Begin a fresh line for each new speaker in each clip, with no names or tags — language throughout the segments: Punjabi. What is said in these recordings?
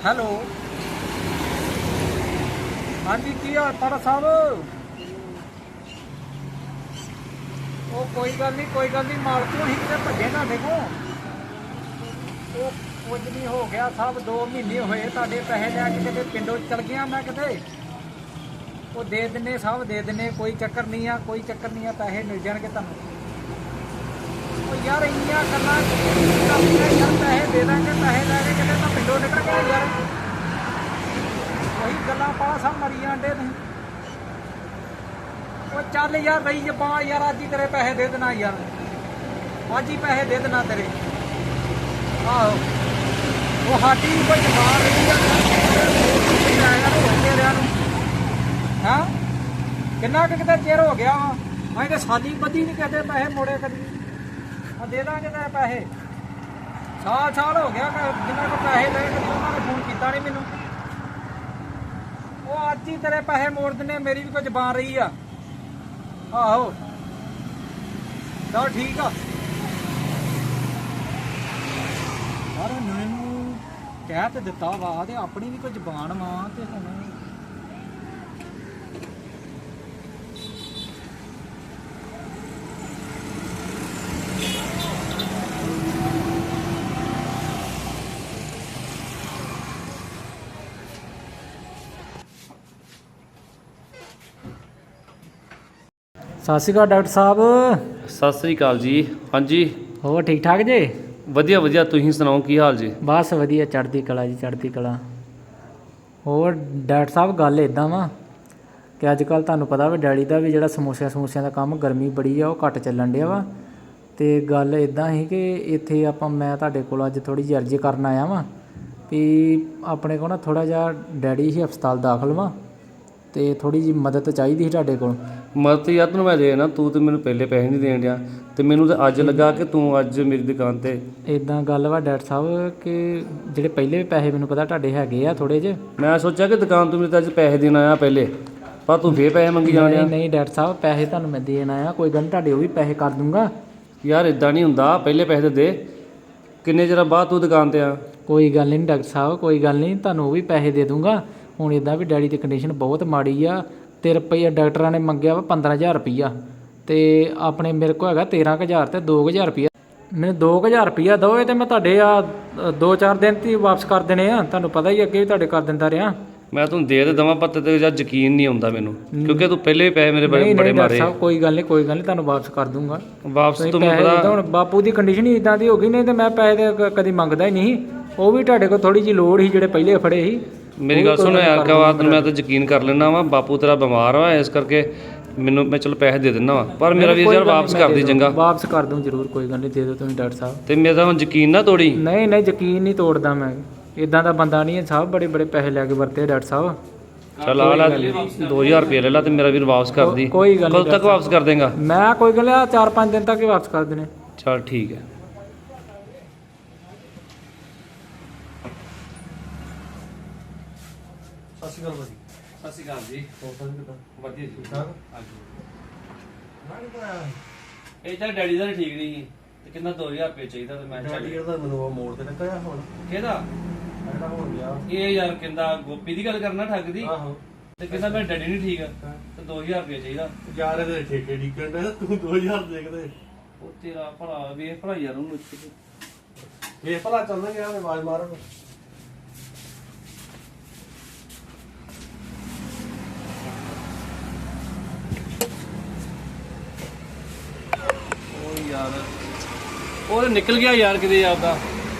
हेलो हाँ जी की हाल तारा साहब वो कोई गल नहीं मालको ही कितने भजे ना देखो वो कुछ नहीं हो गया साहब 2 महीने होए तुहाडे पैसे लैके किते पिंडों चल गया मैं किते वो दे दिने साहब दे दिने कोई चक्कर नहीं है पैसे मिल जाएंगे तुहानू यार इन्नियां गल्लां यार पैसे दे देंगे पैसे लैके किते तां पिंडों निकल गए यार वही गल्लां पा सब मरी जांदे तुसीं वो चल यार रही जबां यार अज ही तेरे पैसे दे देना यार अज ही पैसे दे देना तेरे आहो वो साडी कोई जबान रही हाँ किन्ना किते चिर हो गया वा अं तो साली बधी नहीं कहते पैसे मोड़े कभी दे देंगे तेरे पैसे साल हो गया जिन्होंने को पैसे ले कभी उन्होंने फोन किया नहीं मैनू वो अज ही तेरे पैसे मोड़ देने मेरी भी कोई जबान रही आ आहो चल ठीक आ यार मैनू कह तो दिता वा ते अपनी भी कोई जबान वा ते हुण सत श्री अकाल डॉक्टर साहब
सत श्री अकाल जी। हाँ जी
ਹੋਰ ਠੀਕ ਠਾਕ ਜੇ
ਵਧੀਆ ਵਧੀਆ ਤੁਸੀਂ ਸੁਣਾਓ ਕੀ ਹਾਲ ਜੀ।
ਬਸ ਵਧੀਆ ਚੜ੍ਹਦੀ ਕਲਾ ਜੀ ਚੜ੍ਹਦੀ ਕਲਾ। ਹੋਰ ਡਾਕਟਰ ਸਾਹਿਬ ਗੱਲ ਇੱਦਾਂ ਵਾ ਕਿ ਅੱਜ ਕੱਲ੍ਹ ਤੁਹਾਨੂੰ ਪਤਾ ਵਾ ਡੈਡੀ ਦਾ ਵੀ ਜਿਹੜਾ ਸਮੋਸਿਆਂ ਦਾ ਕੰਮ ਗਰਮੀ ਬੜੀ ਆ ਉਹ ਘੱਟ ਚੱਲਣ ਡਿਆ ਵਾ ਅਤੇ ਗੱਲ ਇੱਦਾਂ ਸੀ ਕਿ ਇੱਥੇ ਮੈਂ ਤੁਹਾਡੇ ਕੋਲ ਅੱਜ ਥੋੜ੍ਹੀ ਜਿਹੀ ਅਰਜ਼ੀ ਕਰਨ ਆਇਆ ਵਾਂ ਵੀ ਆਪਣੇ ਕੋਲ ਨਾ ਥੋੜ੍ਹਾ ਜਿਹਾ ਡੈਡੀ ਹੀ ਹਸਪਤਾਲ ਦਾਖਲ ਵਾ ਅਤੇ ਥੋੜ੍ਹੀ ਜਿਹੀ ਮਦਦ ਚਾਹੀਦੀ ਸੀ ਤੁਹਾਡੇ ਕੋਲ।
ਮਦਦ ਯਾਰ ਤੈਨੂੰ ਮੈਂ ਦੇਣਾ ਤੂੰ ਤੇ ਮੈਨੂੰ ਪਹਿਲੇ ਪੈਸੇ ਨਹੀਂ ਦੇਣ ਡਿਆ ਅਤੇ ਮੈਨੂੰ ਤਾਂ ਅੱਜ ਲੱਗਾ ਕਿ ਤੂੰ ਅੱਜ ਮੇਰੀ ਦੁਕਾਨ 'ਤੇ
ਇੱਦਾਂ ਗੱਲ ਵਾ ਡਾਕਟਰ ਸਾਹਿਬ ਕਿ ਜਿਹੜੇ ਪਹਿਲੇ ਵੀ ਪੈਸੇ ਮੈਨੂੰ ਪਤਾ ਤੁਹਾਡੇ ਹੈਗੇ ਆ ਥੋੜ੍ਹੇ ਜਿਹੇ
ਮੈਂ ਸੋਚਿਆ ਕਿ ਦੁਕਾਨ ਤੋਂ ਮੇਰੇ ਤਾਂ ਅੱਜ ਪੈਸੇ ਦੇਣ ਆਇਆ ਪਹਿਲੇ ਪਰ ਤੂੰ ਫੇਰ ਪੈਸੇ ਮੰਗੀ ਜਾਣ ਡਿਆ।
ਨਹੀਂ ਡਾਕਟਰ ਸਾਹਿਬ ਪੈਸੇ ਤੁਹਾਨੂੰ ਮੈਂ ਦੇਣ ਆਇਆ ਕੋਈ ਗੱਲ ਨਹੀਂ ਤੁਹਾਡੇ ਉਹ ਵੀ ਪੈਸੇ ਕਰ ਦੂੰਗਾ।
ਯਾਰ ਇੱਦਾਂ ਨਹੀਂ ਹੁੰਦਾ ਪਹਿਲੇ ਪੈਸੇ ਦੇ ਕਿੰਨੇ ਚਿਰ ਬਾਅਦ ਤੂੰ ਦੁਕਾਨ 'ਤੇ ਆ। ਕੋਈ
ਗੱਲ ਨਹੀਂ ਡਾਕਟਰ ਸਾਹਿਬ ਕੋਈ ਗੱਲ ਨਹੀਂ ਤੁਹਾਨੂੰ ਉਹ ਵੀ ਪੈਸੇ ਦੇ ਦੂੰਗਾ। ਹੁਣ ਇੱਦਾਂ ਵੀ ਡੈਡੀ ਦੀ ਕੰਡੀਸ਼ਨ ਬਹੁਤ ਮਾੜੀ ਆ ਅਤੇ ਰੁਪਈਆ ਡਾਕਟਰਾਂ ਨੇ ਮੰਗਿਆ ਵਾ 15000 ਰੁਪਈਆ ਅਤੇ ਆਪਣੇ ਮੇਰੇ ਕੋਲ ਹੈਗਾ 13000 ਅਤੇ 2000 ਰੁਪਈਆ ਮੈਨੂੰ 2000 ਰੁਪਈਆ ਦਿਓ ਅਤੇ ਮੈਂ ਤੁਹਾਡੇ 2-4 ਦਿਨ 'ਤੇ ਹੀ ਵਾਪਸ ਕਰ ਦੇਣੇ ਆ। ਤੁਹਾਨੂੰ ਪਤਾ ਹੀ ਅੱਗੇ ਵੀ ਤੁਹਾਡੇ ਕਰ ਦਿੰਦਾ ਰਿਹਾ।
ਮੈਂ ਤੁਹਾਨੂੰ ਦੇ ਦੇਵਾਂ ਪਰ ਤੇਰੇ ਯਾਰ ਯਕੀਨ ਨਹੀਂ ਆਉਂਦਾ ਮੈਨੂੰ ਕਿਉਂਕਿ ਤੂੰ ਪਹਿਲੇ ਵੀ ਪੈਸੇ ਮੇਰੇ ਬੜੇ ਮਾਰੇ।
ਕੋਈ ਗੱਲ ਨਹੀਂ ਤੁਹਾਨੂੰ ਵਾਪਸ ਕਰ ਦੂੰਗਾ।
ਵਾਪਸ ਤੂੰ ਪਤਾ
ਹੁਣ ਬਾਪੂ ਦੀ ਕੰਡੀਸ਼ਨ ਹੀ ਇੱਦਾਂ ਦੀ ਹੋ ਗਈ ਨਹੀਂ ਤਾਂ ਮੈਂ ਪੈਸੇ ਕਦੀ ਮੰਗਦਾ ਹੀ ਨਹੀਂ। ਉਹ ਵੀ ਤੁਹਾਡੇ ਕੋਲ ਥੋੜ੍ਹੀ ਜਿਹੀ ਲੋੜ ਸੀ ਜਿਹੜੇ ਪਹਿਲੇ ਫੜੇ ਸੀ।
ਮੇਰੀ ਗੱਲ ਸੁਣ ਯਾਰ ਕਵਾਤ ਮੈਂ ਤਾਂ ਯਕੀਨ ਕਰ ਲੈਂਦਾ ਵਾ ਬਾਪੂ ਤੇਰਾ ਬਿਮਾਰ ਵਾ ਇਸ ਕਰਕੇ ਮੈਨੂੰ ਮੈਂ ਚਲੋ ਪੈਸੇ ਦੇ ਦਿੰਦਾ ਵਾ ਪਰ ਮੇਰਾ ਵੀਰ ਯਾਰ ਵਾਪਸ ਕਰ ਦੀ ਚੰਗਾ।
ਵਾਪਸ ਕਰ ਦੂੰ ਜ਼ਰੂਰ ਕੋਈ ਗੱਲ ਨਹੀਂ ਦੇ ਦਿਓ ਤੁਸੀਂ ਡਾਕਟਰ ਸਾਹਿਬ।
ਤੇ ਮੇਰਾ ਹੁਣ ਯਕੀਨ ਨਾ ਤੋੜੀ।
ਨਹੀਂ ਯਕੀਨ ਨਹੀਂ ਤੋੜਦਾ ਮੈਂ ਇੱਦਾਂ ਦਾ ਬੰਦਾ ਨਹੀਂ ਹੈ ਸਾਹਿਬ ਬੜੇ ਪੈਸੇ ਲੈ ਕੇ ਵਰਤੇ ਡਾਕਟਰ ਸਾਹਿਬ।
ਚੱਲ ਆ ਲੈ 2000 ਰੁਪਏ ਲੈ ਲਾ ਤੇ ਮੇਰਾ ਵੀਰ ਵਾਪਸ ਕਰ ਦੀ।
ਕੋਈ ਗੱਲ ਨਹੀਂ
ਕਦੋਂ ਤੱਕ ਵਾਪਸ ਕਰ ਦੇਂਗਾ?
ਮੈਂ ਕੋਈ ਗੱਲ 4-5 ਦਿਨ ਤੱਕ ਹੀ ਵਾਪਸ ਕਰ ਦੇਣੇ।
ਚੱਲ ਠੀਕ ਹੈ।
ਸਤਿ ਸ਼੍ਰੀ ਅਕਾਲ ਭਾਜੀ।
ਸਤਿ ਸ਼੍ਰੀ ਅਕਾਲ ਜੀ। ਵਧੀਆ ਜੀ
ਠੀਕ ਠਾਕ?
ਇਹ ਤਾਂ ਡੈਡੀ ਦਾ ਠੀਕ ਨਹੀਂ ਸੀ ਤੇ ਕਿੰਨਾ 2000 ਰੁਪਏ ਚਾਹੀਦਾ ਤੇ ਮੈਂ
ਡੈਡੀ ਦਾ ਮੈਨੂੰ ਉਹ ਮੋੜ ਤੇ ਨਿਕਲਿਆ ਹੁਣ
ਕਿਹਦਾ
ਜਿਹੜਾ ਹੋ ਗਿਆ
ਇਹ ਯਾਰ ਕਹਿੰਦਾ ਗੋਪੀ ਦੀ ਗੱਲ ਕਰਨਾ ਠੱਗ ਦੀ
ਆਹੋ
ਤੇ ਕਹਿੰਦਾ ਮੈਂ ਡੈਡੀ ਨਹੀਂ ਠੀਕ ਤੇ 2000 ਰੁਪਏ ਚਾਹੀਦਾ।
ਯਾਰ ਇਹਦੇ ਠੇਕੇ ਡਿੱਕਣ ਦੇ ਤੂੰ 2000 ਦੇਖਦੇ
ਉਹ ਤੇਰਾ ਭਰਾ ਵੇਖ ਭਰਾ ਯਾਰ ਉਹਨੂੰ
ਇਹ ਭਲਾ ਚੱਲਦਾ ਗਿਆ ਮੈਂ ਆਵਾਜ਼ ਮਾਰਨ
ਯਾਰ ਉਹ ਨਿਕਲ ਗਿਆ ਯਾਰ ਕਿਤੇ ਆਪਦਾ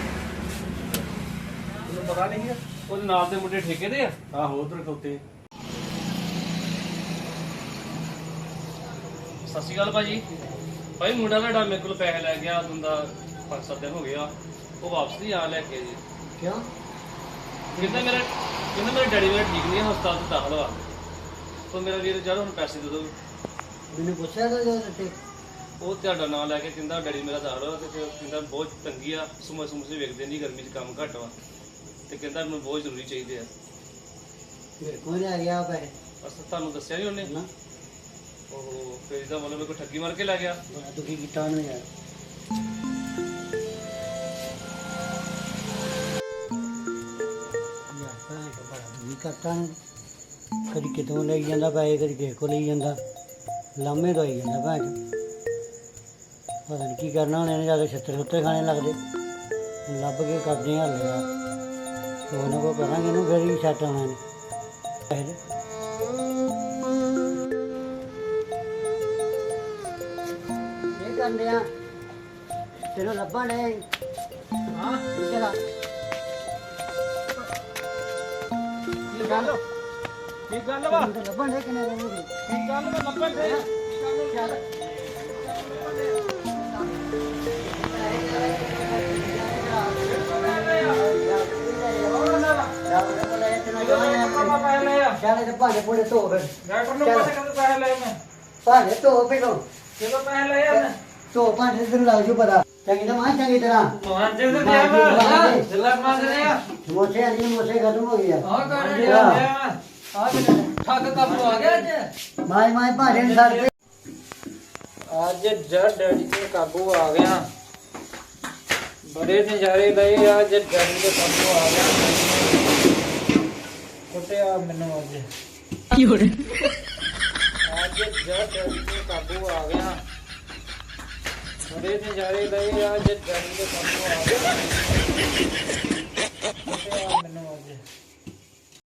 ਤੈਨੂੰ ਪਤਾ ਨਹੀਂ ਹੈ
ਉਹਦੇ ਨਾਲ ਦੇ ਮੁੰਡੇ ਠੇਕੇ ਦੇ ਆ।
ਆਹੋ ਉਧਰ ਖੋਤੇ।
ਸਤਿ ਸ਼੍ਰੀ ਅਕਾਲ ਭਾਜੀ। ਭਾਈ ਮੁੰਡਾ ਤੁਹਾਡਾ ਮੇਰੇ ਕੋਲ ਪੈਸੇ ਲੈ ਗਿਆ ਤੁੰਦਾ 5-7 ਦਿਨ ਹੋ ਗਏ ਆ ਉਹ ਵਾਪਸ ਨਹੀਂ ਆ ਲੈ ਕੇ ਜੀ।
ਕਿਉਂ?
ਕਹਿੰਦਾ ਮੇਰਾ ਡੈਡੀ ਮੇਰਾ ਠੀਕ ਨਹੀਂ ਹੈ ਹਸਪਤਾਲ 'ਚ ਦਾਖਲ ਵਾ ਤਾਂ ਮੇਰਾ ਵੀਰ ਚਲੋ ਹੁਣ ਪੈਸੇ ਦੇ ਦਿਓ।
ਮੈਨੂੰ ਪੁੱਛਿਆ ਤਾਂ
ਉਹ ਤੁਹਾਡਾ ਨਾਂ ਲੈ ਕੇ ਕਹਿੰਦਾ ਡੈਡੀ ਮੇਰਾ ਦਾਖਲ ਵਾ ਤੇ ਫਿਰ ਕਹਿੰਦਾ ਬਹੁਤ ਤੰਗੀ ਆ ਸਮੋਸੇ ਵੇਖਦੇ ਨਹੀਂ ਗਰਮੀ 'ਚ ਕੰਮ ਘੱਟ ਵਾ ਤੇ ਕਹਿੰਦਾ ਮੈਨੂੰ ਬਹੁਤ ਜ਼ਰੂਰੀ ਚਾਹੀਦੇ ਆ।
ਮੇਰੇ ਕੋਲ ਆ ਗਿਆ ਪੈਸੇ
ਅਸਾਂ ਤੁਹਾਨੂੰ ਦੱਸਿਆ ਨਹੀਂ ਉਹਨੇ
ਨਾ
ਉਹ ਫਿਰ ਇਹਦਾ ਮਤਲਬ ਕੋਈ ਠੱਗੀ ਮਾਰ ਕੇ ਲੈ ਗਿਆ।
ਤੂੰ ਕੀ ਕੀਤਾ ਉਹਨੇ ਯਾਰ? ਕੱਟਾਂ ਨੂੰ ਕਦੀ ਕਿਤੋਂ ਲਈ ਜਾਂਦਾ ਪੈਸੇ, ਕਦੀ ਕਿਸੇ ਕੋਲ ਲਈ ਜਾਂਦਾ, ਲਾਮੇ ਦਵਾਈ ਜਾਂਦਾ ਭੈਣ ਚੋ। ਪਤਾ ਨਹੀਂ ਕੀ ਕਰਨਾ ਹੁਣ ਇਹਨੇ, ਜਿਆਦਾ ਛੱਤਰ ਛੁੱਤਰ ਖਾਣੇ ਲੱਗਦੇ। ਹੁਣ ਲੱਭ ਕੇ ਕਰਦੇ ਹਾਂ ਹੱਲ ਯਾਰ, ਕੋਈ ਨਾ ਕੋਈ ਕਰਾਂਗੇ ਇਹਨੂੰ, ਫਿਰ ਹੀ ਸੈੱਟ ਆਉਣਾ ਨੇ ਪੈਸੇ। ਇਹ ਕਰਦੇ ਆ ਤੈਨੂੰ ਲੱਭਣ ਨੇ।
ਹਾਂ
ਠੀਕ ਆ
ਕੀ ਗੱਲ ਵਾ?
ਤੈਨੂੰ ਲੱਭਣ ਦੇ ਕਿੰਨੇ ਦਿਨ ਹੋ ਗਏ?
ਕੀ ਗੱਲ ਵਾ? ਲੱਭਣ ਦੇ
ਚੱਲ ਚੱਲ ਤੇ ਭਾਂਡੇ ਭੂੰਡੇ ਧੋ ਫਿਰ।
ਡਾਕਟਰ ਨੂੰ ਪਤਾ ਕਦੋਂ ਪੈਸੇ ਲਏ ਮੈਂ?
ਭਾਂਡੇ ਧੋ ਪਹਿਲੋਂ,
ਕਿਦੋਂ ਪੈਸੇ ਲਏ ਆ ਮੈਂ?
ਧੋ ਭਾਂਡੇ ਤੈਨੂੰ ਲੱਗ ਜੂ ਪਤਾ। ਚੰਗੀ ਤਰ੍ਹਾਂ ਮਾਂ, ਚੰਗੀ ਤਰ੍ਹਾਂ
ਮਾਂਜੇ ਤੇ ਦਿਆ ਵਾ ਜਿੱਲਾ ਮਾਂਜਦੇ ਆ।
ਸਮੋਸੇ ਆਲੀ ਸਮੋਸੇ ਖਤਮ ਹੋ ਗਏ ਆ।
ਆਹ ਕਰ ਰਿਹਾ ਮੈਂ ਆਹ ਠੱਗ ਕਾਬੂ ਆ ਗਿਆ ਅੱਜ।
ਮਾਈ ਮਾਈ ਭਾਂਡੇ ਨੂੰ ਸਰ ਦੇ।
ਅੱਜ ਜੱਟ ਡੈਡੀ ਤੇ ਕਾਬੂ ਆ ਗਿਆ। ਬੜੇ ਨਜ਼ਾਰੇ ਲਏ ਅੱਜ ਡੈਡੀ ਤੇ ਕਾਬੂ ਆ ਗਿਆ। ਕੁੱਟਿਆ ਮੈਨੂੰ ਅੱਜ। ਕੀ ਹੋ ਰਿਹਾ? ਅੱਜ ਜੱਟ ਡੈਡੀ ਤੇ ਕਾਬੂ ਆ ਗਿਆ। ਬੜੇ ਨਜ਼ਾਰੇ ਲਏ ਅੱਜ ਡੈਡੀ ਤੇ ਕਾਬੂ ਆ ਗਿਆ। ਕੁੱਟਿਆ ਮੈਨੂੰ ਅੱਜ।